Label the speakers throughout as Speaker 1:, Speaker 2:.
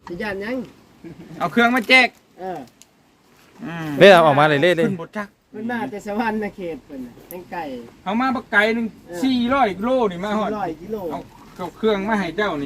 Speaker 1: สิย่านยัง
Speaker 2: เอาเครื่องมาแจก
Speaker 3: เล่ออกมาเลยเล่เลย
Speaker 2: ขึ้นบทจัก
Speaker 1: มันมาแต่สวรรค์นะเขตเพิ่นน่ะแตงไก่
Speaker 2: เอามาบักไก่หนึง400 โลนี่มาฮอด
Speaker 1: 100 กิโล
Speaker 2: เอาเครื่องมาให้เจ้านี่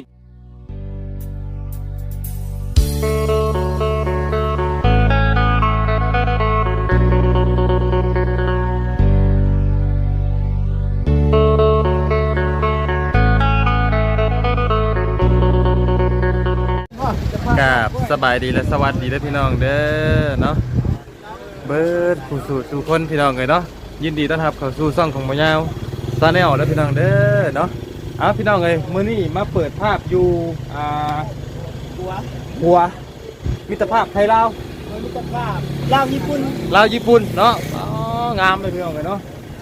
Speaker 3: กับสบายดีและสวัสดีและพี่น้องเด้อเนาะเบิร์ดผู้สู่คนพี่น้องเลยเนาะยินดีต้อนรับเข้าสู่ช่องของบ่ยาวซาแนลและพี่น้องเด้อเนาะเอาพี่น้องเลยมื้อนี้มาเปิดภาพอยู่หัวมิตรภาพไทยลาว
Speaker 1: มิตรภาพลาวญี่ปุ่น
Speaker 3: ลาวญี่ปุ่นเนาะอ๋องามเลยพี่น้องเลยเนาะ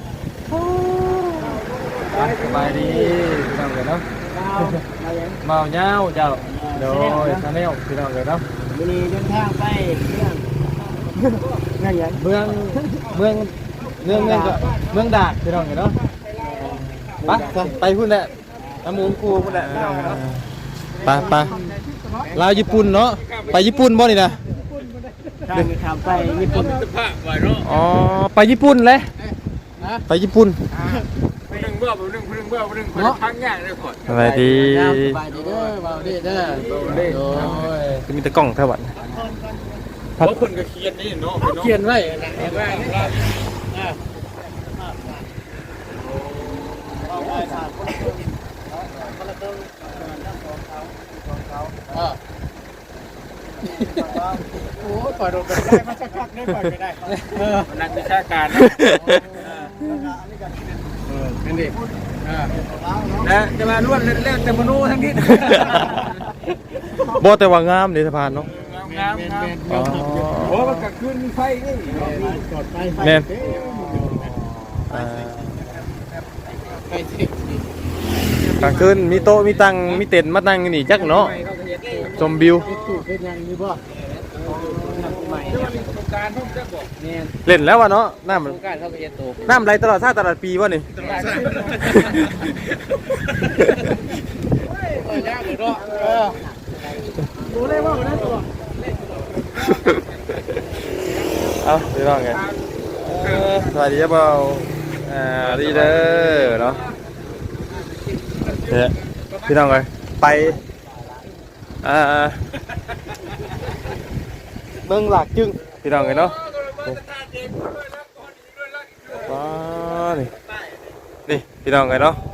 Speaker 3: สบายดีพี่น้องเลยเนาะ
Speaker 1: ลาวมายัง
Speaker 3: เมาเงาเจ้าโดยซาแนลพี่น้องเลยเนาะ
Speaker 1: มื้อนี้เดินทางไปเมืองยัง
Speaker 3: เมืองก็เมืองดาดพี่น้องเนาะไปพุ่นแหละน้ำมูลคูพุ่นแหละพี่น้องเนาะไปลาวญี่ปุ่นเนาะไปญี่ปุ่นบ่นี่นะ
Speaker 1: ทางข้ามไปญี่ปุ่น
Speaker 2: มิตรภาพไว้เนาะ
Speaker 3: อ๋อไปญี่ปุ่นเลยไปญี่ปุ่น
Speaker 2: ผู้หนึงเบื่อผู้หนึงพังยากเลยก่อน
Speaker 3: สบายดี
Speaker 1: สบายดีเด้อเบาดีเด้อโอ้ย
Speaker 3: จะมีแต่กล้องเท่าวัน
Speaker 2: เพราะคนก็เขียนนี่เนาะ
Speaker 1: เขียนไว้นะเห็นไหมโอ้ยปล่อยโดนไปได้มาสักพักได้ปล่อยไปได้
Speaker 2: นักวิชาการเนาะ
Speaker 1: เป็นดิ
Speaker 2: นะจะมาล้วนเล่นแต่มโนทั้งนี้
Speaker 3: บ่แต่ว่างามเลยสะพานเนาะ
Speaker 2: งาม
Speaker 3: อ๋อ
Speaker 2: โอ้มันกลางคืนมีไฟนี่
Speaker 1: กดไป
Speaker 3: แม่น
Speaker 1: ไปสิ
Speaker 3: กลางคืนมีโต๊ะมีตังมีเต็นท์มานั่งนี่จักเนาะชมวิว
Speaker 1: ตู้เป็นยังมีบ่ใหม่
Speaker 2: โครงการผมจะบอก
Speaker 1: เนี่ย
Speaker 3: เล่นแล้ววะเนาะน้ำ
Speaker 1: โครงการเขาไปเฮ็ดตู้
Speaker 3: น้ำไหลตลอดชาติตลอดปีวะนี่
Speaker 1: ยากเลยเนาะดูได้ว่าได้ตัว
Speaker 3: เอาพี่น้องไงสวัสดีครับเบาดีเด้อเนาะเนี่ยพี่น้องไงไปเมืองหลักจึงพี่น้องไงเนาะว้านี่พี่น้องไงเนาะ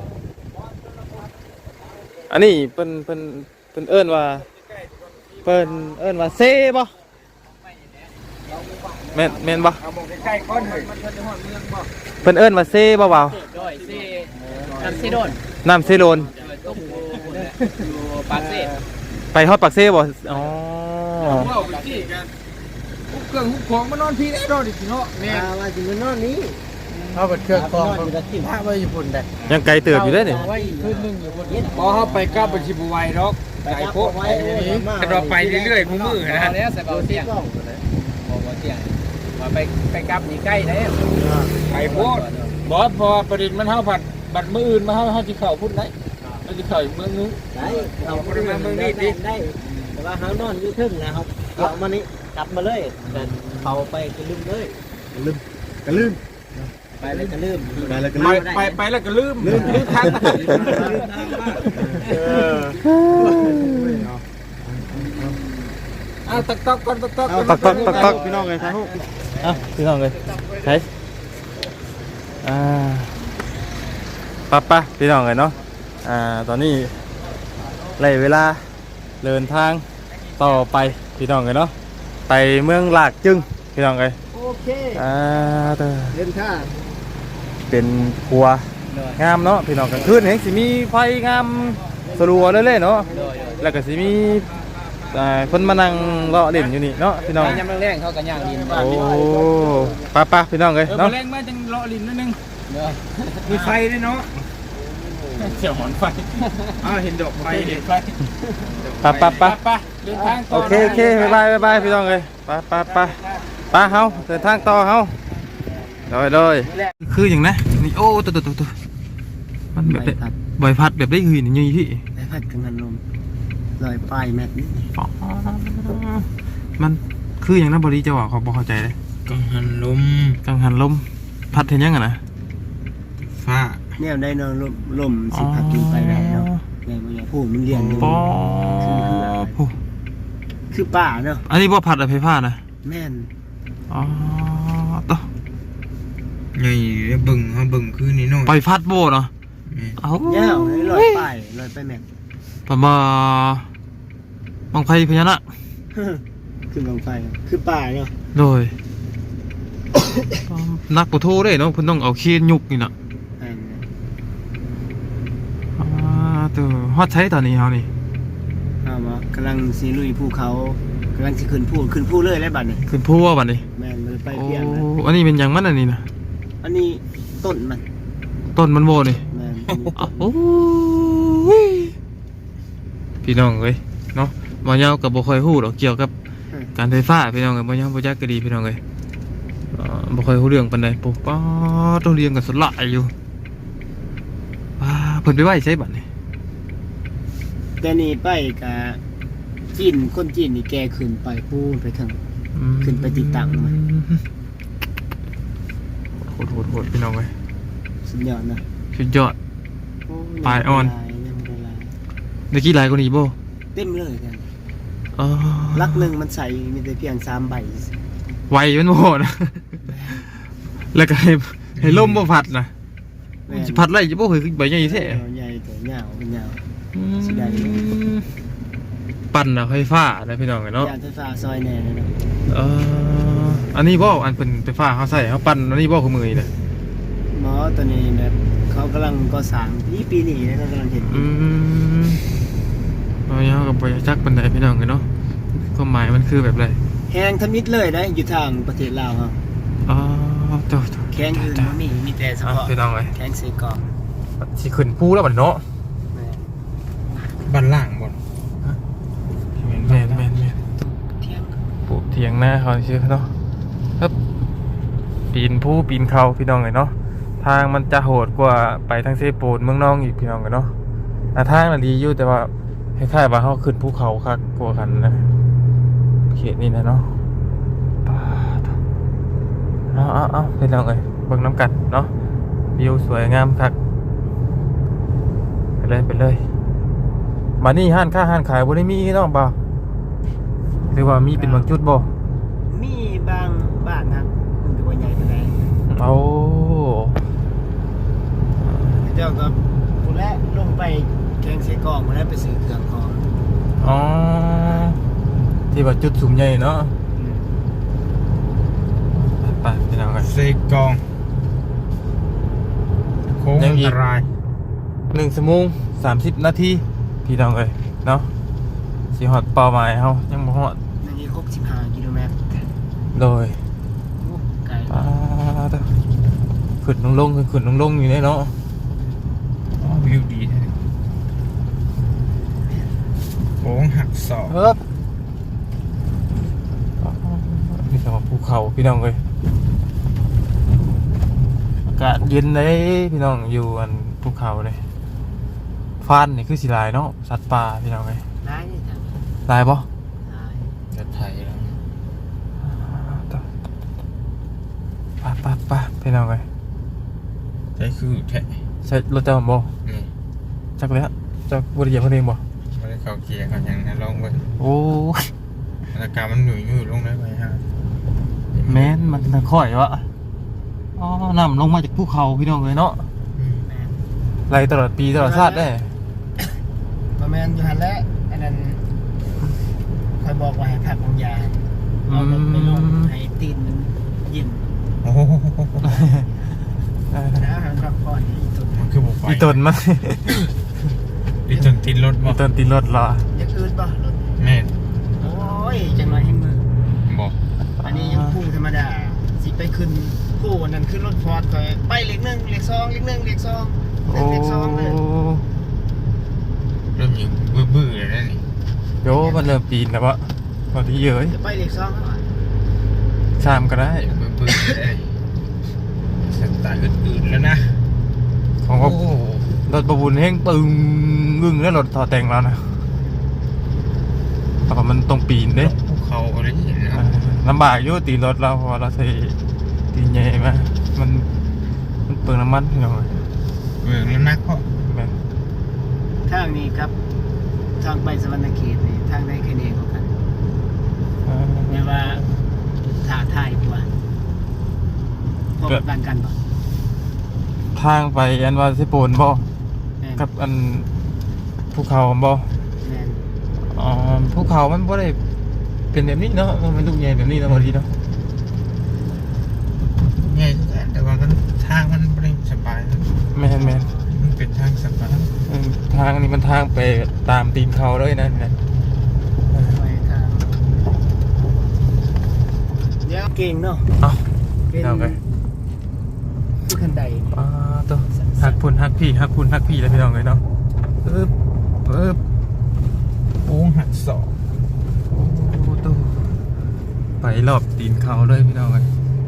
Speaker 3: อันนี้เพิ่นเอิ้นว่าเซ่บ่แม่นบ่
Speaker 2: เอามองใกล้ๆก้อนเลยมันจะหอดเมืองบ่
Speaker 3: เพิ่นเอิ้นว่าเซ่บ่เบา
Speaker 1: ด้อยซีน้ำซีโดน
Speaker 3: น้ำเซโลน
Speaker 1: ต้มอยู่ปากเซ่
Speaker 3: ไปฮอดปากเซ่บ่อ๋อ
Speaker 2: ว่าไปจี้กันฮุกเครื่องฮุกของมานอนพี่ได้รอดิเนาะ
Speaker 1: แม่ว่าสิมันนอนนี้เขาเป็นเครื่องกรองอยู่ที่พระไว้ญี่ปุ่นได้
Speaker 3: ยังไกลเติบอยู่เด้อนี่
Speaker 1: ไว้คืนนึงอยู่บนนี้
Speaker 2: พอเขาไปกลับไปชิบุไวดอกไก่โพดแต่เราไปเรื่อยๆมือนะ
Speaker 1: แล้วใส่เบาเตียงบอกเตียงมาไปกลับนี่ใกล้แล้ว
Speaker 2: ไก่โพดบอสพอประเด็นมันเท่าผัดบัดมืออื่นมาเท่าที่เข่าพุ่นได้เราจะเข่าเมืองนึง
Speaker 1: ได้เราเมืองนี้ดิได้แต่ว่าเขานอนอยู่ทึ่งนะครับเอามานี่กลับมาเลยแต่เขาไปกระลืมเลยกระลืมไปเลยกระลืมไปเลยกระลืม
Speaker 2: ไปแล้วก็ลืมทางตักก่อน
Speaker 3: ตักพี่น้องเลยครับพี่น้องเลยใช่ป่ะพี่น้องเลยเนาะตอนนี้ไล่เวลาเดินทางต่อไปพี่น้องเลยเนาะไปเมืองหลากจึงพี่น้องเลย
Speaker 1: โอเคเดินทาง
Speaker 3: เป็นครัวงามเนาะพี่น้องกลางคืนเห็นสิมีไฟงามสลัวเรื่อยๆเนาะแล้วก็สิมีคนมานั่งเลาะเล่นอยู่นี่เนาะพี่น้อง
Speaker 1: ยำแรงเขากันย่างดิน
Speaker 3: โอ้ป่ะพี่น้องเลย
Speaker 2: เนาะ
Speaker 3: เนาะ
Speaker 2: แรงมาจังเลาะลิ้นนิดนึงมีไฟด้วยเนาะเสี่ยวหอนไฟเห็นดอกไฟเห็นไฟ
Speaker 3: ป่ะ
Speaker 2: เดินทางต่
Speaker 3: โอเคบายพี่น้องเลยป่ะเฮาเดินทางต่อเฮาเลยคืออย่างนะนี่โอ้ตัวมันแบบใบพัดแบบได้หืนนี่พี่
Speaker 1: ไปพัดกันลมลอยปลายแม็กนี่
Speaker 3: อ๋อมันคืออย่างนั้นบริจะว่าเขาบอกเข้าใจเลย
Speaker 2: กังหันลม
Speaker 3: กังหันลมพัดเห็นยังไงนะ
Speaker 2: ฟ้า
Speaker 1: เนี่ยได้เนาะลมสิพัดกินไปได้เนาะแม่บ่อยากพูดมันเรียนอยู่
Speaker 3: ปอผู้
Speaker 1: คือป่าเนาะ
Speaker 3: อันนี้บ่พัดอะไฟฟ้านะ
Speaker 1: แม่น
Speaker 3: อ๋อต่อ
Speaker 2: ใหญ่เบิ่งเฮาเบิ่งคือนี่น้อย
Speaker 3: ไปพัดโบเนาะ
Speaker 2: นี่
Speaker 3: เอ้า
Speaker 1: เงาให้ลอยไปแม่น
Speaker 3: ประมาบังไฟพญานาค
Speaker 1: คือบังไฟคือป่าเนาะ
Speaker 3: โดย นักปะโทได้เนาะเพิ่นต้องเอาเคียนยุกนี่น่ะ
Speaker 1: อันนั้น
Speaker 3: ตัวฮอดใช้ตอนนี้เฮานี่
Speaker 1: เอามากำลังสิลุยภูเขากำลังสิขึ้นภูเลยแล้วบัดนี้
Speaker 3: ขึ้นผู้ว่าบัดนี้
Speaker 1: แม่นมันไป
Speaker 3: โอ้
Speaker 1: เปลี่ยนแล้ว
Speaker 3: อันนี้เป็นหยังมันอันนี้นะ
Speaker 1: อันนี้ต้นมัน
Speaker 3: ต้นมันโบนี่
Speaker 1: แม่น
Speaker 3: อ้าวโอ้ยพี่น้องเอ้ยเนาะบ่ยาวก็บ่ค่อยฮู้ดอกเกี่ยวกับการไฟฟ้าพี่น้องเอ้ยบ่ยาวบ่จักก็ดีพี่น้องเอ้ยบ่ค่อยฮู้เรื่องปานใดปุ๊บป๊าดต้องเรียนกันสลายอยู่ว้าเพิ่นไปไว้ใช้บัดนี้
Speaker 1: แต่นี่ไปกับจีนคนจีนนี่แกขึ้นไปพูนไปถึง ขึ้นไปติดตั้งมา
Speaker 3: โหดพี่น้องเอ้ย
Speaker 1: สุดยอดนะ
Speaker 3: สุดยอด
Speaker 1: โ
Speaker 3: ปลายอ่อน
Speaker 1: ยังบ่ได้ลาย
Speaker 3: เมื่อกี้หลายกว่านี้บ่
Speaker 1: เต็มเลยกัน
Speaker 3: อ๋อ
Speaker 1: ลักหนึ่งมันใส่มีแต่เพียง3 ใบ
Speaker 3: ไวมันโหดนะ แล้วก็ให้ลมบ่พัดนะ
Speaker 1: แม่น
Speaker 3: สิพัดไรจะบ่เคยขึ้นไปใหญ่แท้
Speaker 1: ใหญ่แต่ยาวมันยาว สิได้
Speaker 3: ปั่นอะไฟฟ้านะพี่น้องเนาะ
Speaker 1: ยานไฟฟ้าซอยแน่เลยนะ
Speaker 3: อันนี้บ่อันเป็นไฟฟ้าเขาใส่เขาปั่นอันนี้บ่คือมือนี่นะ
Speaker 1: หมอตัวนี้แบบเขากำลังก่อสร้างปีนี้นะกำลังเห็น
Speaker 3: เอาเนาะกับไปจักปันไดพี่น้องเนาะความหมายมันคือแบบไร
Speaker 1: แห้งทมิดเลยนะอยู่ทางประเทศลาวครับ
Speaker 3: อ๋อเจ้า
Speaker 1: แข้งอื่นบ่มีแต่เฉพาะ
Speaker 3: พี่น้องเลย
Speaker 1: แข้งเสกอง
Speaker 3: สิขึ้นภูแล้วบัดเนาะ
Speaker 1: แม่น
Speaker 2: บ้านล่างบ่
Speaker 3: แม่น
Speaker 1: เที่ยง
Speaker 3: ปลูกเถียงหน้าเขาชื่อเนาะครับปีนภูปีนเขาพี่น้องเลยเนาะทางมันจะโหดกว่าไปทางเซโปนเมืองนองอีกพี่น้องเลยเนาะทางน่ะดีอยู่แต่ว่าคล้ายๆว่าเขาขึ้นภูเขาคักกว่ากันนะเขตนี้นะเนาะเอาพี่น้องเลยเบิ่งน้ำกัดเนาะวิวสวยงามคักไปเลยมานี่ห้านค้าห้านขายบ่ได้มีเนาะบ่หรือว่ามีเป็นบางจุดบ่
Speaker 1: มีบางบ้านครับมันก็บ่ใหญ่ปานใด
Speaker 3: เอา
Speaker 1: เจ้าก็ผู้แรกลงไปแข้งเสกองมาแล้วไปซื้อเครื่องของ
Speaker 3: อ๋อที่ว่าจุดสูงใหญ่เนาะไปพี่น้องกัน
Speaker 2: เซกองโค้งอันตราย
Speaker 3: 1 ชั่วโมง 30 นาทีพี่น้องเอ้ยเนาะสิฮอดเป้าหมายเฮายังบ่ฮอด
Speaker 1: นี่65 กิโลเมตร
Speaker 3: โดย
Speaker 1: โอ้ไกล
Speaker 3: ขึ้นลงอยู่เนี่ยเนาะ
Speaker 2: วิวดีแท้โค้งหักศอก
Speaker 3: เฮ้บพี่น้องภูเขาพี่น้องเอ้ยอากาศเย็นเลยพี่น้องอยู่อันภูเขาเลยฟานนี่คือสิหลายเนาะสัตว์ป่าพี่น้องเอ้ย
Speaker 1: ได้นี่จ้ะ
Speaker 3: หลายบ่
Speaker 1: ได้
Speaker 2: จะไทยแล้ว
Speaker 3: ไปพี่น้องเอ้ย
Speaker 2: ใช่คือแท้
Speaker 3: ใช้รถเจ้าบ่
Speaker 2: นี่
Speaker 3: จักเลยฮะจักบ่ได้เหยียบเพิ่นเองบ่
Speaker 2: ไม่ได้เข้าเกียร์เขายังนะลองเบิ่ง
Speaker 3: โอ้ย
Speaker 2: อากาศมันหนุ่ยลงได้ไหมฮะ
Speaker 3: แม่นมันทางค่อยวะอ๋อน้ำลงมาจากภูเขาพี่น้องเอ้ยเนาะ
Speaker 1: แม่น
Speaker 3: ไหลตลอดปีตลอดชาติได้
Speaker 1: ประมาณอยู่หั่นแหละอันนั้นคอยบอกว่าให้พักบางยาเอารถไปลงให้ตีนมันยิ้ม
Speaker 2: โอ้โห
Speaker 1: นะให้พักผ่อนให้ตุน
Speaker 2: มันคือบุกไป
Speaker 3: อีตนมัน
Speaker 2: อีตนติดรถบ่
Speaker 3: อีตนตีรถเหรอ
Speaker 1: อยังอื่นป่ะรถ
Speaker 2: แม่น
Speaker 1: โอ้ยจังหน่อยให้มือ
Speaker 2: บอก
Speaker 1: อันนี้ยังพุ่งธรรมดาสิไปขึ้นผู้อันนั้นขึ้นรถฟอร์ดไปเลข 1 เลข 2 เลข 1 เลข 2
Speaker 3: โอ้
Speaker 1: เลข 2เลย
Speaker 2: เริ่มอยู่บื้อๆเลยนะนี่
Speaker 3: โยมันเริ่มปีนแล้ววะพอดีเยอะ
Speaker 1: จะไปเลข2แล้วอ่ะ
Speaker 3: ชามก็ได้
Speaker 2: บื้อๆเลยสไตล์อื่นๆแล้วนะ
Speaker 3: ของ
Speaker 2: โอ้
Speaker 3: ก็รถประบุญแห้งตึงงึ่งแล้วรถต่อแต่งแล้วนะเพราะมันตรงปีนเด้
Speaker 2: ภูเขาอะไรอย่างเงี้ย
Speaker 3: ลำบากอยู่ตีรถเราเพราะว่าเราใส่ตีใหญ่มามันเปลืองน้ำมันพี่น้อง
Speaker 2: เออแล้วนักเพราะ
Speaker 3: แม่น
Speaker 1: ทางนี้ครับทางไปสวรรณเขตนี่ทางไหนแค่นี้กันเนี่ยว่าถ่าทายกว่าพบกันกันบ่
Speaker 3: ทางไปอันว่าสิโปนบ่กับอันภูเขาบ่
Speaker 1: แม่น
Speaker 3: อ๋อภูเขามันบ่ได้เป็นแบบนี้เนาะมันลูกใหญ่แบบนี้เนาะบางทีเนาะ
Speaker 2: ง่ายแต่ว่ามันทางมันไม่สบาย
Speaker 3: แม่น
Speaker 2: มันเป็นทางสบาย
Speaker 3: ทางนี้มันทางไปตามตีนเขาเลยนะ
Speaker 1: ไปทางเดี๋ยวเก่งเนาะ
Speaker 3: เอ้า
Speaker 1: เป็น
Speaker 3: เอาไป
Speaker 1: ผู้ขันใด
Speaker 3: อ๋อตัวหักพุ่นหักพี่หักพุ่นหักพี่แล้วพี่น้องเลยเนาะปึ๊บ
Speaker 2: โอ้หักศอก
Speaker 3: โอ้ตัวไปรอบตีนเขาเลยพี่น้องเลย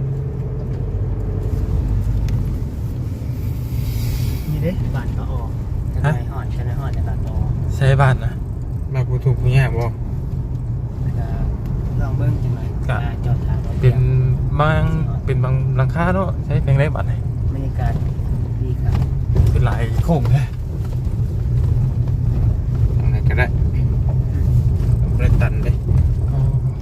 Speaker 1: นี่เด้บ้านก็ออกกันไหนฮอดกันไหนฮอดในบ้านก็ออก
Speaker 3: ใช้บ้านนะ
Speaker 2: มาผู้ถูกผู้แย่บ่
Speaker 1: แล้วก็ลองเบิ่งจังหน่อยจอดทางรถ
Speaker 3: เป็นเป็นบางหลังคาเนาะใช้เพลงไรบ้านไหน
Speaker 1: บรรยากาศดีครับ
Speaker 3: เป็นหลายโค้งเลย
Speaker 2: ทางไหนก็ได้ได้ตันเลย
Speaker 3: อ๋อ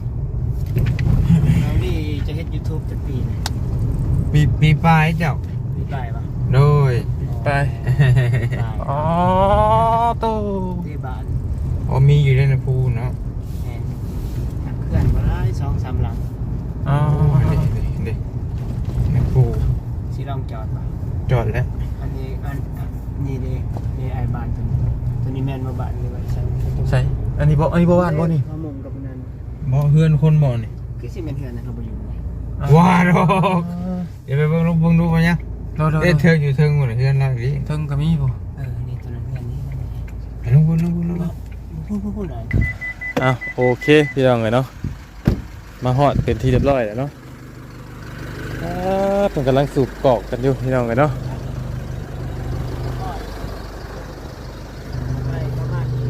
Speaker 1: เรานี่จะเฮ็ด YouTube เป็นปีนะ
Speaker 2: มีปลายเจ้า
Speaker 1: ปีปลายปะ
Speaker 2: โดย
Speaker 3: ไป
Speaker 1: ปลาย
Speaker 3: อ๋อตัว
Speaker 1: ที่บ้าน
Speaker 2: พอมีอยู่ในภูเนาะ
Speaker 1: แม่นหักเคลื่อนมาได้2-3หลัง
Speaker 3: อ๋อ
Speaker 2: เด็กในภู
Speaker 1: สิลองจอดปะ
Speaker 2: จอดแล้ว
Speaker 1: อันนี้นี่เด้นี่ไอ้บ้านตัวนี้แม่นมาบ้านนี่ไว้ใช่
Speaker 3: ใช่อันนี้บ่บ้านบ่นี่
Speaker 1: มามงกับนั้น
Speaker 2: บ่เฮือนคนบ่นี่
Speaker 1: คือสิแม่นเฮือนนะเราบ่อยู่ไง
Speaker 2: ว้าดอกเดี๋ยวไปเบิ่งดูมายัง
Speaker 3: เรา
Speaker 2: เอ๊ะเธออยู่เทิงหมดเฮือนเราดิ
Speaker 3: เทิงก็มีบ่
Speaker 1: นี่ตัวนั้นเฮือนนี้
Speaker 2: ไปลงบน
Speaker 1: พูดหน่อย
Speaker 3: อ่ะโอเคพี่น้องเลยเนาะมาฮอดเป็นที่เรียบร้อยแล้วเนาะเพิ่นกำลังสูบกอกกันอยู่พี่น้องเลยเนาะ
Speaker 1: ไปประมาณ7-80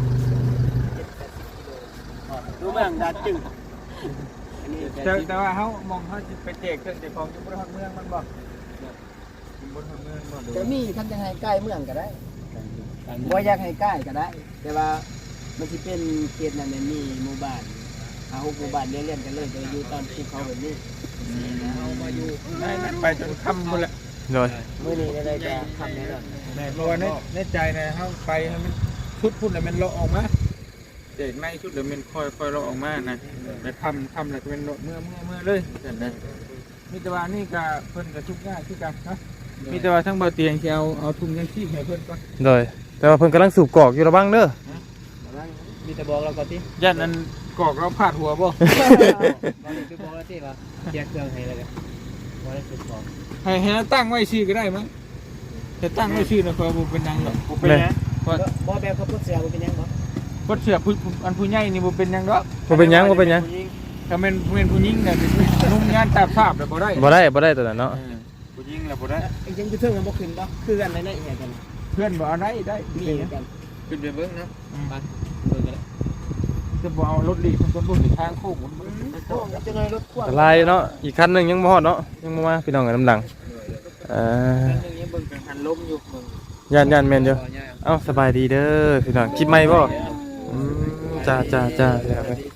Speaker 1: กิโลดูเมืองดัดจึงอันนี้
Speaker 2: แต่ว่าเฮามองเฮาสิไปแจกเครื่องแต่ของอยู่บนทางเมืองมันบ่บนทางเมืองบ่
Speaker 1: จะมีคันจะให้ใกล้เมืองก็ได้บ่อยากให้ใกล้ก็ได้ แต่ว่ามันสิเป็นเขตนั้นเนี่ยมีหมู่บ้านหมู่บ้านเรียนกันเลยจะอยู่ตามภูเขาแบบนี้เอามาอยู่
Speaker 2: ได้ไปจนค่ำหมดแล้ว
Speaker 3: โดย
Speaker 1: มื้อนี้ได้จะทำแน่นอน
Speaker 2: เพราะว่าในใจนะเฮาไปให้มันชุดพุ่นแล้วมันเลาะออกมาเด็กในชุดแล้วมันค่อยเลาะออกมานะไปทำแล้วก็เป็นเลาะเมื่อเลยนั่นนะมีแต่ว่านี่ก็เพิ่นก็ทุกข์ยากคือกันนะมีแต่ว่าทั้งเบาเตียงสิเอาทุ่งยังชีพให้เพิ่นก่อน
Speaker 3: โดยแต่ว่าเพิ่นกำลังสูบกอกอยู่ระวังเด้อ
Speaker 1: มีแต่บอกเราก่อนที่
Speaker 2: ย่านนั้นกอกเราพาดหัวบ่
Speaker 1: บอกเราที่ว่าแยกเครื่องให้เลยกันบ่ได้สุดบอก
Speaker 2: ให้ตั้งไว้ชื่อก็ได้มั้งแต่ตั้งไว้ชื่อนะคอยบ่เป็นหยังหรอก
Speaker 1: เป็นนะบ่แบบเขาพูดเสียบ่เป็นยังบ่
Speaker 2: บ่เชื่ออันผู้ใหญ่นี่บ่เป็นหยังดอก
Speaker 3: บ่เป็นหยังบ่เป็นหยัง
Speaker 2: ถ้าแม่นผู้หญิงน่ะเป็นนุ่มงานตาภาพแล้วบ่ได้
Speaker 3: บ่ได้ตัวนั้นเนาะ
Speaker 2: ผู้หญิงแล้วบ่ได้
Speaker 1: ยังจะเทิงกันบ่ขึ้นบ่คือกันในอีกกัน
Speaker 2: เพื่อนบ่เอาได้
Speaker 1: มีกัน
Speaker 2: ขึ้นไปเบิ่งนะ
Speaker 1: ไปเบิ่งกันเลย
Speaker 2: จะบ่เอารถดีมันก็บ่ถึงทางโค้งมันเบิ่ง
Speaker 1: โอ้จะน้อยรถพ่วง
Speaker 3: อันตรายเนาะอีกคันหนึงยังบ่ฮอดเนาะยังบ่มาพี่น้องกันน้ำดัง
Speaker 1: นึงยังเบิ่งกันหันลมอยู่เบิ่ง
Speaker 3: ย่านแม่นอยู่เอ้าสบายดีเด้อพี่น้องคลิปใหม่บ่จ้าพี่น้องเอ้ย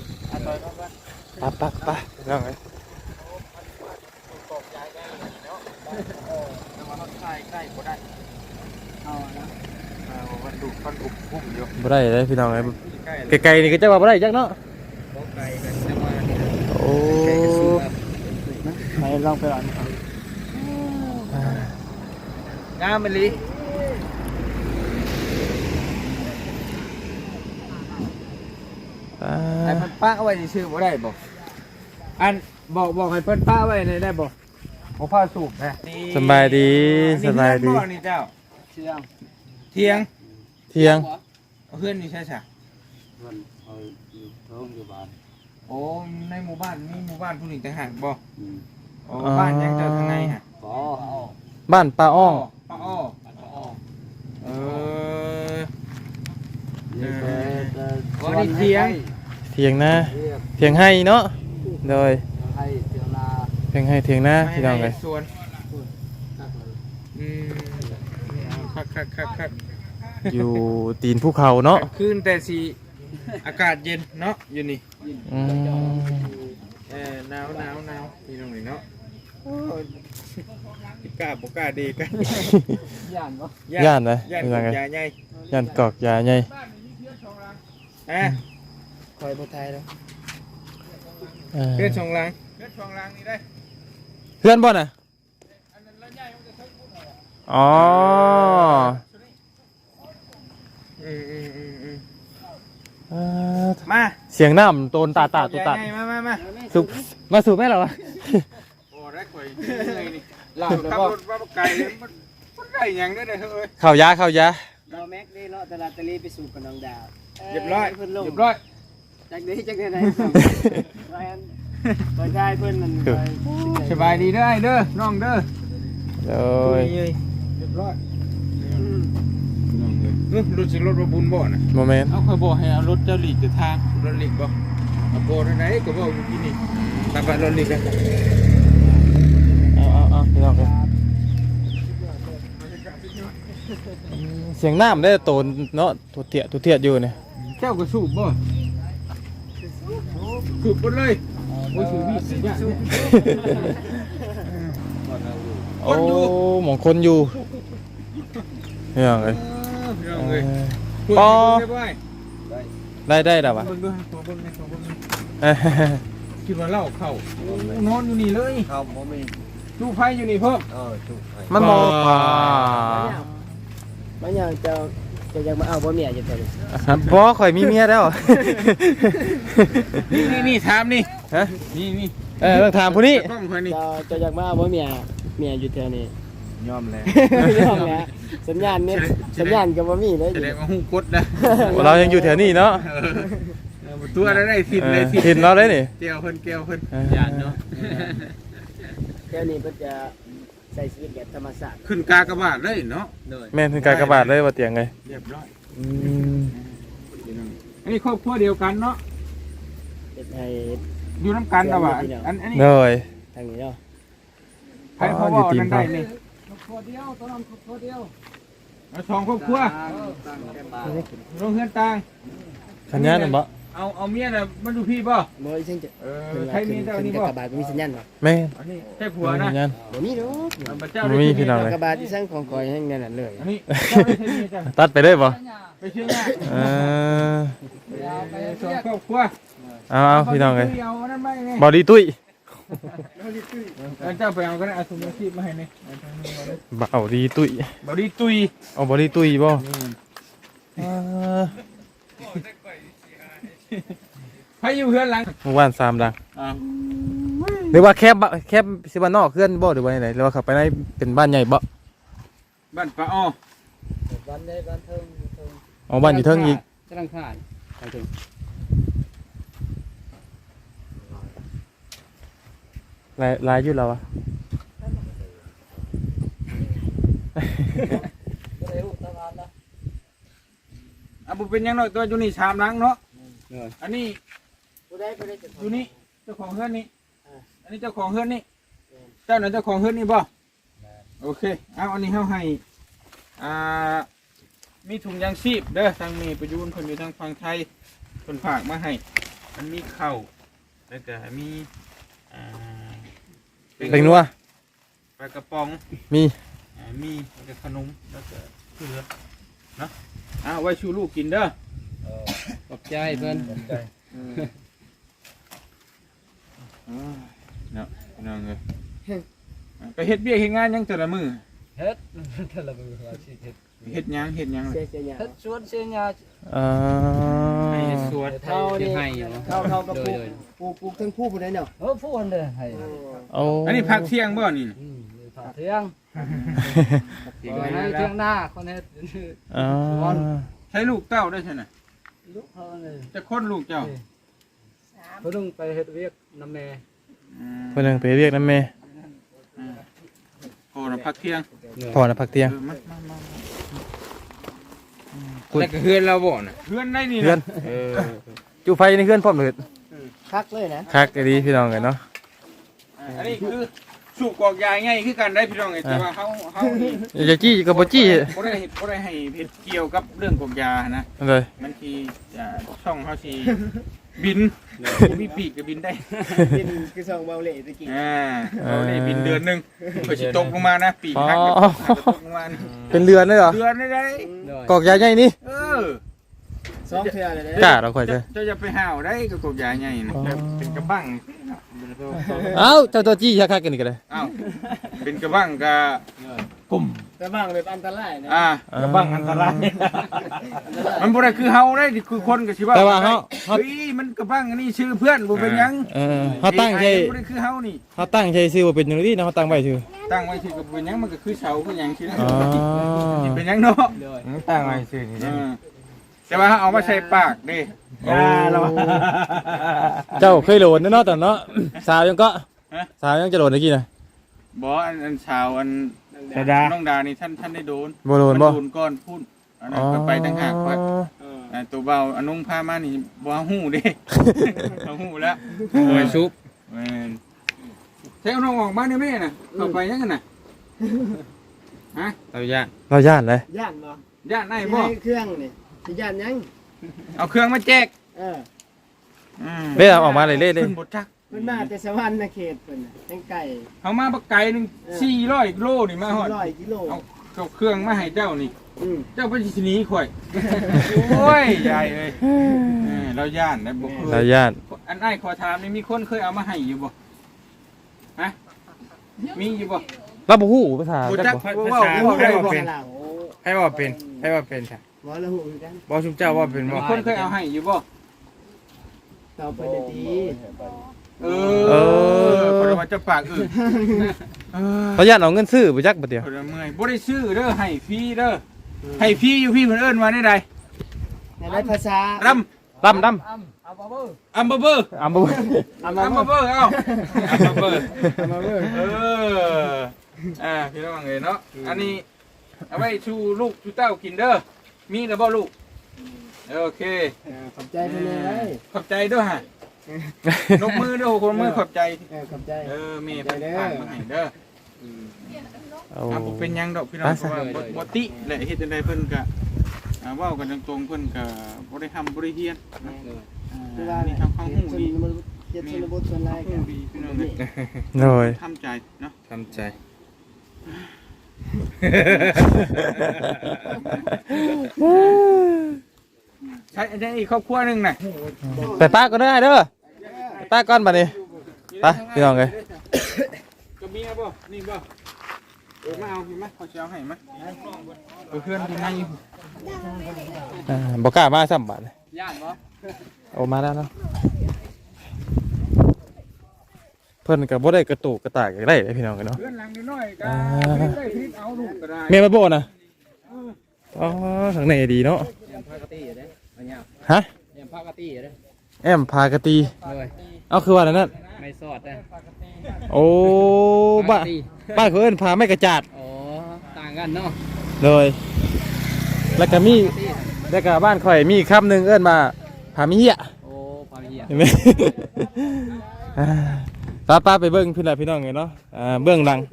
Speaker 3: ไปพี่น้องเอ้ย
Speaker 1: เอานะ
Speaker 2: มันดุมันอุบพุ่มอยู่
Speaker 3: บ่ได้เลยพี่น้องเอ้ย
Speaker 2: ใกล้
Speaker 3: ไกลๆนี่ก็จะว่าบ่ได้จักเนาะ
Speaker 2: บ่ไกลกันแต่ว่านี่
Speaker 3: โอ้
Speaker 1: ไปลองไปอ่าน
Speaker 2: งามมันลี ให้เพิ่นป้าไว้ซื่อบ่ได้บ่อันบอกให้เพิ่นป้าไว้ได้บ่บ่พาสูบนะ
Speaker 3: สบายดีสบายดี
Speaker 2: นี่เจ้า
Speaker 1: เชื่อง
Speaker 2: เที่ยง
Speaker 3: เที่ยง
Speaker 2: เอาเพื่อนนี่ใช่ๆ
Speaker 1: มันเอาอยู่ท้องอยู่บ้าน
Speaker 2: โอ้ในหมู่บ้านมีหมู่บ้านผู้หญิงต่างหากบ่โอ้บ้านยังเจ้าทางในฮะ
Speaker 1: บ่
Speaker 3: บ้านป้าอ้อ
Speaker 2: ป้าอ้อเออ
Speaker 1: นี่ก็
Speaker 2: อ๋อนี่เที่ยง
Speaker 3: เที่ยงนะ
Speaker 1: เรียก
Speaker 3: เถียงให้เนาะโดย
Speaker 1: ให้เดี๋ยวลา
Speaker 3: เถียงให้เถียงหน้าพี่น้องเลย
Speaker 2: สวนคัก
Speaker 3: อยู่ตีนภูเขาเนาะ
Speaker 2: คืนแต่สีอากาศเย็นเนาะอยู่นี่
Speaker 3: อืม
Speaker 2: หนาวนี่ตรงนี้เนาะกล้าบ่กล้าดีกัน
Speaker 1: ย่านบ่
Speaker 3: ย่านเลย
Speaker 2: ย่าน
Speaker 3: เป็นยังไง
Speaker 2: ยาใหญ่
Speaker 3: ย่านกอกยาใหญ่
Speaker 1: คอยบ่ทายแล้ว
Speaker 2: เพื่อนช่องล่างนี่ได้
Speaker 3: เพื่อนบ่น่ะอ๋อ
Speaker 2: มา
Speaker 3: เสียงน้ำโตนตาตุตัด
Speaker 2: มา
Speaker 3: สูบมาสูบแม่เหรอวะ
Speaker 2: โอ้ได้ข่อยเลยนี่ขับรถว่าไกลมันได้ยังได้เลยเฮ้ย
Speaker 3: ข้าวยา
Speaker 1: เราแม็กได้เลาะตลาดตะลีไปสู่กับน้องดาว
Speaker 2: เรียบร้อย
Speaker 1: เพิ่นลง
Speaker 2: เรียบร้อย
Speaker 1: จักได้คอยได้เพิ่นนั่นคอย
Speaker 2: สบายดีได้เด้อน้องเด้อ
Speaker 3: โด
Speaker 2: โอ้
Speaker 3: ย
Speaker 2: ยเรียบร้อยรถสิรถบุญบ่น่ะ
Speaker 3: โมเมนต์
Speaker 2: เอาค่อยบอกให้เอารถเจ้าหลีกจะทางรถหลีกบ่เอาโบทางไหนก็บอกอยู่ที่นี่ตามไปรถหลีกกัน
Speaker 3: เอาพี่น้องครับเสียงน้ำได้โตนเนาะทุเทียดอยู่เนี่ย
Speaker 2: เจ้าก็สูบบ่สูบหมดเลยโอ้ยสูบพี่สิยะ
Speaker 3: โอ้หมองคนอยู่พี่น้องเลย
Speaker 2: พี่น้องเอ้ย
Speaker 3: ปอ
Speaker 2: ได้
Speaker 3: ได้แล้ววะ
Speaker 2: เบิ่งด้วยขอเบิ่งหน่อยขอเบิ่งหน่อยคิดว่าเหล้าเข้านอนอยู่นี่เลย
Speaker 1: เขาบ่มี
Speaker 2: ลูกไฟอยู่นี่เพิ่ม
Speaker 1: ถูก
Speaker 3: มันมองป่า
Speaker 1: มันยังจะยังมาเอาบ่เมียอยู่เท่านี้
Speaker 3: เพราะข่อยมีเมียแล้ว
Speaker 2: นี่ถามนี่
Speaker 3: ฮะ
Speaker 2: นี่
Speaker 3: ต้องถามผู้นี้
Speaker 2: กล้องคนนี้
Speaker 1: จะยังมาเอาบ่เมียอยู่เท่านี้
Speaker 2: ยอมแล้ว
Speaker 1: ยอมแล้วสัญญาณเน็ตสัญญาณก็บ่มีเลย
Speaker 2: แสดงว่าหูกดนะ
Speaker 3: เรายังอยู่แถวนี้เนาะ
Speaker 2: ตัวได้ทิศเลย
Speaker 3: ถิ่นเราได้นี่
Speaker 2: เกี่ยวเพิ่น
Speaker 3: ยานเนาะ
Speaker 1: เดี๋ยวนี้เพิ่นจะใช้ชีวิตแบบธรรมชาติ
Speaker 2: ขึ้นกากบาทเลยเนาะ
Speaker 3: แม่นคือการกระบาดเลยว่าเตียงไง
Speaker 2: เรียบร้อย
Speaker 3: อืม
Speaker 2: อันนี้ครอบครัวเดียวกันเนาะ
Speaker 1: เฮ็ดให้
Speaker 2: อยู่น้ำกันแต่ว่าอันนี้
Speaker 3: เลย
Speaker 1: ทางนี้เนาะ
Speaker 2: ใครเขาบอกนั่นได้นี่
Speaker 1: ครัวเดียวตอนนั้นครัวเดียว
Speaker 2: เอาสองครอบครัวโรงเรือนต่าง
Speaker 3: สัญญาณน่ะบ่
Speaker 2: เอาเมียน่ะมันดูพี่บ่
Speaker 1: บ่อีจังจะ
Speaker 2: ใครมีเจ้านี่บ่
Speaker 1: กระบาดบ่มีสัญญาณบ่
Speaker 3: แม่
Speaker 2: อันนี้ใช่ผัวนะ
Speaker 3: สัญญาณ
Speaker 1: บ่มีดอก
Speaker 2: พระเจ้า
Speaker 3: บ่มีพี่น้องเลย
Speaker 1: กระบาดที่สั่งของก่อยให้นั่นน่ะเลย
Speaker 2: อันนี้เจ้าได้ใช่มีจ้ะ
Speaker 3: ตัดไปเลยบ่
Speaker 2: ไปเชื่อง่าย
Speaker 3: เออ
Speaker 2: สองครอบครัว
Speaker 3: เอาพี่น้องเลย
Speaker 2: เอานั่นไปไง
Speaker 3: บอดี้ตุ้ย
Speaker 2: เจ้าไปเอาก็ได้เอาถุงมือชีพมาให้นี่
Speaker 3: บ่าวดีตุ้ย
Speaker 2: บอดี้ตุย
Speaker 3: เอาบอดี้ตุ้ยบ่
Speaker 2: ให้อยู่เพื่อนหลัง
Speaker 3: เมื่อวาน3ดังหรือว่าแคบสิบ้านนอกเพื่อนบ่หรือว่าไหนหรือว่าขับไปในเป็นบ้านใหญ่บ่
Speaker 2: บ้านป้าอ้อ
Speaker 1: บ้านใดบ้านเทิง
Speaker 3: อ๋อบ้านอยู่เทิงอีก
Speaker 1: กำลังผ่านไปถึง
Speaker 3: ลายอยู่แล้วอะ
Speaker 2: บุเป็นยังไงตัวอยู่นี่ชามล้างเนาะอันนี้
Speaker 1: ผู้ใดจะ
Speaker 2: อยู่นี่เจ้าของเฮือนนี่อันนี้เจ้าของเฮือนนี่เจ้าไหนเจ้าของเฮือนนี่บ่โอเคเอาอันนี้เฮาให้มีถุงยางชีพเด้อทางมีประยูนคนอยู่ทางฝั่งไทยคนฝากมาให้มันมีข้าวแล้วก็มี
Speaker 3: เป็นนัว
Speaker 2: ปลากระป๋อง
Speaker 3: มี
Speaker 2: มีแล้วก็ขนมแล้วก็เกลือเนาะไว้ชูลูกกินเด้อ
Speaker 1: ขอบใจเพิ่น
Speaker 2: เนาะน้องเลยไปเฮ็ดเบี้ยเฮ็ดงานยังแต่ละมือ
Speaker 1: เฮ็ดแต่ละมื้อว่าสิเฮ็ด
Speaker 2: เฮ็ดหยังเลย
Speaker 1: เสียหญ้าเฮ็ดสวนเสียหญ้า
Speaker 2: ไปเฮ็ดสวน
Speaker 1: เท่านี่เท่ากับปลูกทั้งผู้ผู้ใดเนาะผู้อันเด้อให้
Speaker 3: โอ้
Speaker 2: อันนี้พักเที่ยงบ่นี่
Speaker 1: ผักเที่ยงให้เที่ยงหน้าคนเฮ็ด
Speaker 3: อ๋อ
Speaker 2: ใช้ลูกเต้าได้ใช่ไหม
Speaker 1: ลูกเฮาเลย
Speaker 2: จะค้นลูกเจ้า
Speaker 1: เพิ่นต้องไปเฮ็ดเวียกนำแม่
Speaker 3: เพิ่นนึงไปเรียกน้ำแม่
Speaker 2: โอ้เราพักเที่ยง
Speaker 3: พอนะพักเตียง
Speaker 2: แล้วก็เฮือนเราบ่น่ะเฮือนได้นี่
Speaker 3: เพื่อน
Speaker 2: เออ
Speaker 3: จูไฟในเพื่อนพร้อมเลย
Speaker 1: คักเลยนะ
Speaker 3: คักดีพี่น้องเลยเนาะ
Speaker 2: อันนี้คือสูบกอกยาง่ายคือกันได้พี่น้องไงแต่ว่าเขานี่
Speaker 3: อย่าจี้กับบ่จี้
Speaker 2: บ่ได้ให้เฮ็ดเกี่ยวกับเรื่องกอกยานะ
Speaker 3: เลย
Speaker 2: มันคือช่องเขาสิบินมีปีกก็บินได้
Speaker 1: กินคือส่งเบาเล่ตะกี้
Speaker 2: เราได้บินเดือนหนึงเพื่อสิตกลงมานะปีกหักตกลงมา
Speaker 3: เป็นเรือนเลยเหรอ
Speaker 2: เดือนได้
Speaker 3: กอกยาใหญ่นี่
Speaker 1: สองเทื่อเลยนะ
Speaker 3: กล้าเราค่อยจะ
Speaker 2: จะไปห่าวได้กับกอกยาใหญ่นะเป็นกระบัง
Speaker 3: เอ้าเจ้าตัวจี้คักกันนี่ก็เลย
Speaker 2: อ้าวเป็นกระบังกับกลุ่ม
Speaker 1: แต่บ้างแบบอันตรายนะ
Speaker 2: กระบังอันตรายมันบ่ได้คือเฮาได้คือคนก็สิว่า
Speaker 3: แต่ว่าเฮา
Speaker 2: เฮ้ยมันกระบังอันนี้ชื่อเพื่อนบ่เป็นหยัง
Speaker 3: เฮาตั้งใจ
Speaker 2: บ่ได้คือเฮานี่
Speaker 3: เฮาตั้งใจซื้อบ่เป็นจังซี่นะเฮาตั้งไว้ซื่อ
Speaker 2: ตั้งไว้ชื่อก็เป็นหยังมันก็คือเสาคือหยังชื่อ
Speaker 3: อ๋อ
Speaker 2: เป็นหยังเนาะ
Speaker 3: ตั้งไว้ซื่อนี่
Speaker 2: แต่ว่าเอามาใส่ปากดิ
Speaker 3: เจ้าเคยโหลดเนาะตอนเนาะสาวยังก็สาวยังจะโหลดเมื่อกี้น่ะ
Speaker 2: บ่อันชาวอันน้องดานี่ท่านได้โดน
Speaker 3: บ่โดนบ่
Speaker 2: โดนก้อนพุ่นอันนั้นก็ไปต่างหากว่าตัวเบาอนุ่งผ้ามานี่บ่ฮู้เด้เอาฮู้แล้ว
Speaker 3: โอ้ยซุป
Speaker 2: แม่นใช้เอาน้องออกมาได้แม่น่ะเข้าไปยังกันน่ะฮะ
Speaker 3: เราย่านเลย
Speaker 1: ย่านบ่
Speaker 2: ย่านไหน
Speaker 1: ให้
Speaker 2: บ่
Speaker 1: เครื่องนี่สิย่านยัง
Speaker 2: เอาเครื่องมาแจก
Speaker 3: เล่เอาออกมาเลยเล่
Speaker 2: ขึ้นบทจัก
Speaker 1: เพิ่นมาแต่สวรรค์นะเขตเพิ่นน่ะแตงไก่
Speaker 2: เอามาบักไก่หนึง400กิโลนี่มาฮอด
Speaker 1: 100กิโล
Speaker 2: เอาเครื่องมาให้เจ้านี่
Speaker 1: อืม
Speaker 2: เจ้าไปสิหนีข่อย โอ้ยใหญ่เลยเราย่านนะบ่เค
Speaker 3: เรา
Speaker 2: ย
Speaker 3: ย่าน
Speaker 2: อันไอ้ขอถามนี่มีคนเคยเอามาให้อยู่บ่ฮะมีอยู่บ่
Speaker 3: เราบ่ฮู้ภาษา
Speaker 2: บ่
Speaker 3: จั
Speaker 2: จั
Speaker 3: ก
Speaker 2: ก
Speaker 3: บ่
Speaker 2: ว่าได้บ่
Speaker 1: เป็นเรา
Speaker 4: ให้ว่าเป็นให้ว่าเป็นค่ะ
Speaker 1: บ่ละหูคือกัน
Speaker 4: บอชุมเจ้าว่าเป็น
Speaker 2: มี
Speaker 4: ว่า
Speaker 2: คนเคยเอาให้อยู่บ่
Speaker 1: ต่อไปได้ดี
Speaker 2: คนว่าจะปากอื่น
Speaker 3: เขาย่านเอาเงินซื้อบ่จักบ่เดียว
Speaker 2: คนเมื่อยบ่ได้ซื้อเด้อให้ฟรีเด้อให้ฟรีอยู่พี่เพิ่นเอิ้นว่าได้ใด
Speaker 1: ในหลายภาษา
Speaker 2: รำ
Speaker 3: ดำ
Speaker 2: อัมเบอร์
Speaker 3: อัมบ่
Speaker 2: อัมเบอร์เอาอัมเบอร์พี่น้องเอ้ยเนาะอันนี้เอาไว้ชูลูกชูเต้ากินเด้อมีแล้วบ่ลูกโอเค
Speaker 1: ขอบใจเพิ่นเลย
Speaker 2: ขอบใจด้วยฮะนกมือด้วยคนมือขอบใจ
Speaker 1: ขอบใจ
Speaker 2: เมย์เป็นผ่านมาให้เด้อ
Speaker 3: เอา
Speaker 2: ผมเป็นยังดอกพี่น้องเพราะว่าบ่ติแหละเฮ็ดจังไดเพิ่นก็เว้ากันตรงๆเพิ่นก็บ่ได้ทำบ่ได้เฮียนนี่ทำข้างหูดี
Speaker 1: เจ็ดชนบทส่วนไร
Speaker 2: หู
Speaker 1: กัน
Speaker 2: ดีพี่น้องเอ้ย
Speaker 3: โดย
Speaker 2: ทำใจเนาะ
Speaker 4: ทำใจ
Speaker 2: ใช้ได้อีกครอบครัวนึงน่ะ
Speaker 3: ไปป้าก็ได้เด้อป้าก่อนบัดนี้ไปพี่น้องเอ้ย
Speaker 2: ก็มีบ่นี่บ่มาเอาพี่มาขอสิเอาให้มาเพื่อนที่ไหน
Speaker 3: บ่กล้ามาซ้ำบาดเลย
Speaker 2: ย่านบ่
Speaker 3: เอามาแล้วเนาะเพิ่นก็บ่ได้กระตุกกระตากอยากได้เลยพี่น้องกันเนาะ
Speaker 2: เพื่อนหลังน้อยๆก็ได้พลิกเอาลูกก็ได้
Speaker 3: แม่มาโบนะอ๋อทางไหนดีเนาะ
Speaker 4: พากตีอยู่เด้อเนี่ย
Speaker 3: ฮะ
Speaker 4: เนี่ยพากตีอยู่เด้อ
Speaker 3: แอมพากะตี
Speaker 4: เลย
Speaker 3: เอาคือว่าอะไรนั่น
Speaker 4: ไม่สอดนะ
Speaker 3: โอ้บ้านบ้านเขาเอิ้นพาไม่กระจาด
Speaker 4: อ๋อต่างกันเนาะ
Speaker 3: เลยแล้วก็มีแล้วก็บ้านข่อยมีคำหนึ่งเอิ้นมาพามีเหี้ย
Speaker 4: โอ้ความเหี้ย
Speaker 3: เห็นไหม ป้าไปเบิ้งพี่น้องพี่น้องไงเนาะเบื้องหลัง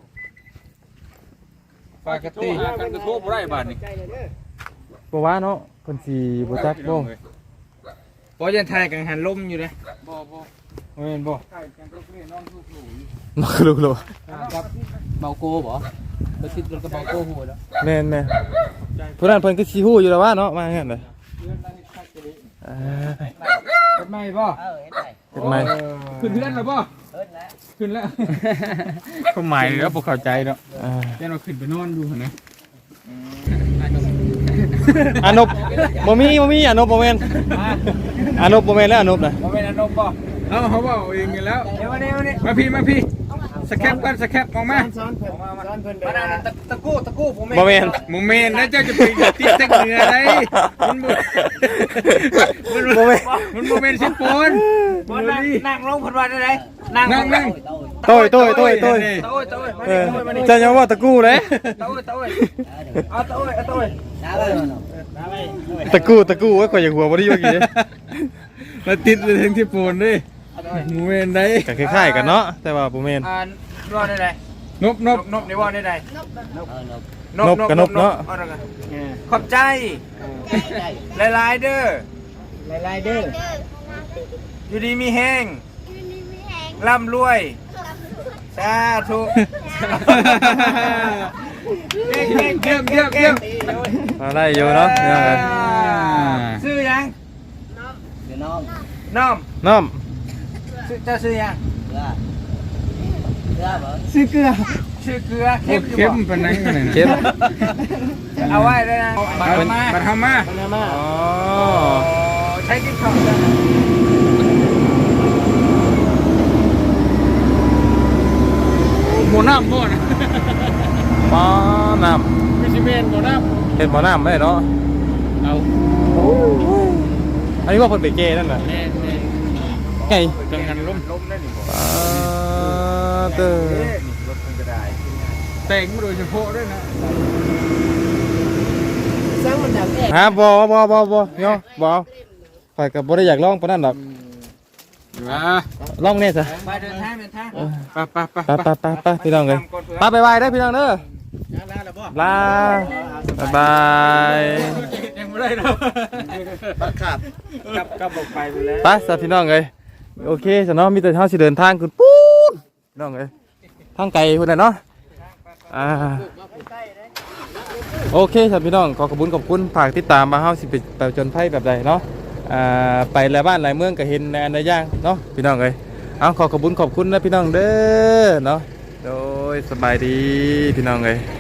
Speaker 2: ปากตีกันกระทบไรบาทนี่
Speaker 3: บ่ว่าเนาะเพิ่นสิบ่จักบ่
Speaker 4: พอยันไทยกังหันลมอยู่เลย
Speaker 2: บ่
Speaker 4: เห็นบ่
Speaker 2: ใช่กันก็เพื่อนน้องลูกหนู
Speaker 3: มักลูกโล
Speaker 4: ครับเบาโก้บ่ไปติดรถกับเบาโก้หัวแล้ว
Speaker 3: แม่นผู้นั้นเพิ่นก็สิฮู้อยู่แล้วว่าเนาะมางั้นเลย
Speaker 4: เป็นไม้บ่
Speaker 3: เป็นไม
Speaker 2: ขึ้นเพื่อนแล้วบ่ขึ้นแล้วก็หมายแล้วบ่เข้าใจเนาะแค่เราขึ้นไปนอนดูนะ
Speaker 3: อานบบ่มีอานบบ่แม่นอานบบ่แม่นแล้วอานบน่ะ
Speaker 2: บ่เป็นอนมบ่เขาว่าเองอยู่แล้วมาพี่สแคปกันสแคปออกมา
Speaker 1: ซ้อนเพิ่นไป
Speaker 4: ตะกู้ผม
Speaker 3: บ่แม่น
Speaker 2: โมเมนต์แล้วเจ้าจะไปติดเต็กเหนือได้มันโมเมนต์ชิปปน
Speaker 4: นั่งลงพันวันได้นั่ง
Speaker 3: โต้ยจะยังว่าตะกู้เลย
Speaker 4: เอาโต้ย
Speaker 3: ตะกู้ไว้ข่อยอย่างหัวบ่ได้อยู่เมื่อกี้
Speaker 2: มาติดเลยทั้งที่ปูนด้วยหมูเวนได้
Speaker 3: ก็คล้ายๆกันเนาะแต่ว่าบ่แม่น
Speaker 2: ว่าได้ไดนบในว่าได้ไดนบ
Speaker 3: นบกับนบเนาะ
Speaker 2: ขอบใจหลายๆเด้อ
Speaker 1: หลายๆเด้อ
Speaker 2: อยู่ดีมีแห้งร่ำรวยสาธุเก่ง
Speaker 3: อะไรอยู่เนาะเนี่ย
Speaker 2: ซื้อยัง
Speaker 1: เดี๋ยวน้อง
Speaker 2: น้อม
Speaker 3: น้อม
Speaker 2: จะซื้อยัง
Speaker 1: เกลือเหรอ
Speaker 2: ซื้อเกลือเข้มเป็นนั่งกันเลย
Speaker 3: เข้ม
Speaker 2: เอาไว้เลยนะบัตรทำมา
Speaker 3: อ๋อ
Speaker 2: ใช้ติ๊กต็อกจ้ะหมูน้ำหมด
Speaker 3: หม้อน้
Speaker 2: มิชิเมนหมูน้
Speaker 3: ำเป็นหม้อน้ำไม่ได้เนาะ
Speaker 2: ำเอา
Speaker 3: อันนี้ว่าเพิ่นไปเกนั่นน่ะ
Speaker 2: แน่
Speaker 3: ไง
Speaker 2: จังหันล้มได้หนิบ่
Speaker 3: เด้อ
Speaker 2: รถมันก็ได้แต่งมาโดยเฉพาะด้วยนะ
Speaker 1: สร้างมันดังแน่
Speaker 3: ฮะบ่เนาะบ่ข่อยก็บ่ได้อยากลองปานนั้นดอกลองแน่ซะ
Speaker 2: ไปเดินทางไป
Speaker 3: ไปพี่น้องเอ้ยไปบายเด้อพี่น้องเด้อลาบ๊ายบาย
Speaker 2: ยังไม่ได้เนาะ
Speaker 1: บังคับ
Speaker 2: กลับบอกไปแล้ว
Speaker 3: ไปซะพี่น้องเอ้ยโอเคซะเนาะมีแต่เฮาสิเดินทางขึ้นปู๊ดพี่น้องเอ้ยทางไกลพุ่นน่ะเนาะโอเคครับพี่น้องขอบคุณฝากติดตามมาเฮาสิไปจนไพ่แบบใดเนาะไปหลายบ้านหลายเมืองก็เห็นในอันใดอย่างเนาะพี่น้องเอ้ยเอาขอบคุณนะพี่น้องเด้อเนาะโดยสบายดีพี่น้องเอ้ย